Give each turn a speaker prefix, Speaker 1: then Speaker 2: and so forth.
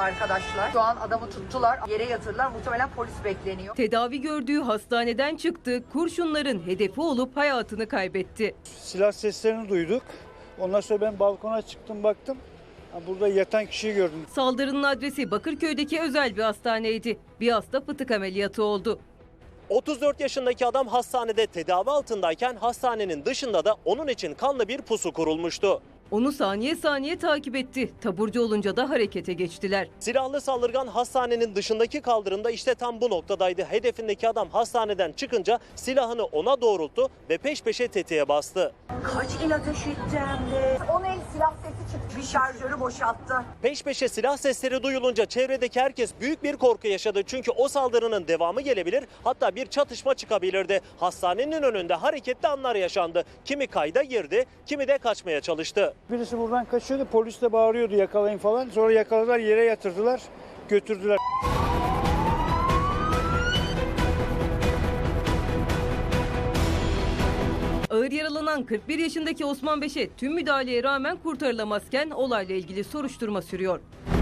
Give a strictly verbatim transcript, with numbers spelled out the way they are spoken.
Speaker 1: arkadaşlar. Şu an adamı tuttular, yere yatırdılar. Muhtemelen polis bekleniyor.
Speaker 2: Tedavi gördüğü hastaneden çıktı, kurşunların hedefi olup hayatını kaybetti.
Speaker 3: Silah seslerini duyduk. Ondan sonra ben balkona çıktım, baktım. Burada yatan kişiyi gördüm.
Speaker 2: Saldırının adresi Bakırköy'deki özel bir hastaneydi. Bir hasta fıtık ameliyatı oldu.
Speaker 4: otuz dört yaşındaki adam hastanede tedavi altındayken hastanenin dışında da onun için kanlı bir pusu kurulmuştu.
Speaker 2: Onu saniye saniye takip etti. Taburcu olunca da harekete geçtiler.
Speaker 4: Silahlı saldırgan hastanenin dışındaki kaldırımda işte tam bu noktadaydı. Hedefindeki adam hastaneden çıkınca silahını ona doğrulttu ve peş peşe tetiğe bastı.
Speaker 1: Kaç il ateş etti hem de. on el silah sesi çıktı. Bir şarjörü boşalttı.
Speaker 4: Peş peşe silah sesleri duyulunca çevredeki herkes büyük bir korku yaşadı. Çünkü o saldırının devamı gelebilir, hatta bir çatışma çıkabilirdi. Hastanenin önünde hareketli anlar yaşandı. Kimi kayda girdi, kimi de kaçmaya çalıştı.
Speaker 3: Birisi buradan kaçıyordu, polis de bağırıyordu yakalayın falan. Sonra yakaladılar, yere yatırdılar, götürdüler.
Speaker 2: Ağır yaralanan kırk bir yaşındaki Osman Beşe tüm müdahaleye rağmen kurtarılamazken olayla ilgili soruşturma sürüyor.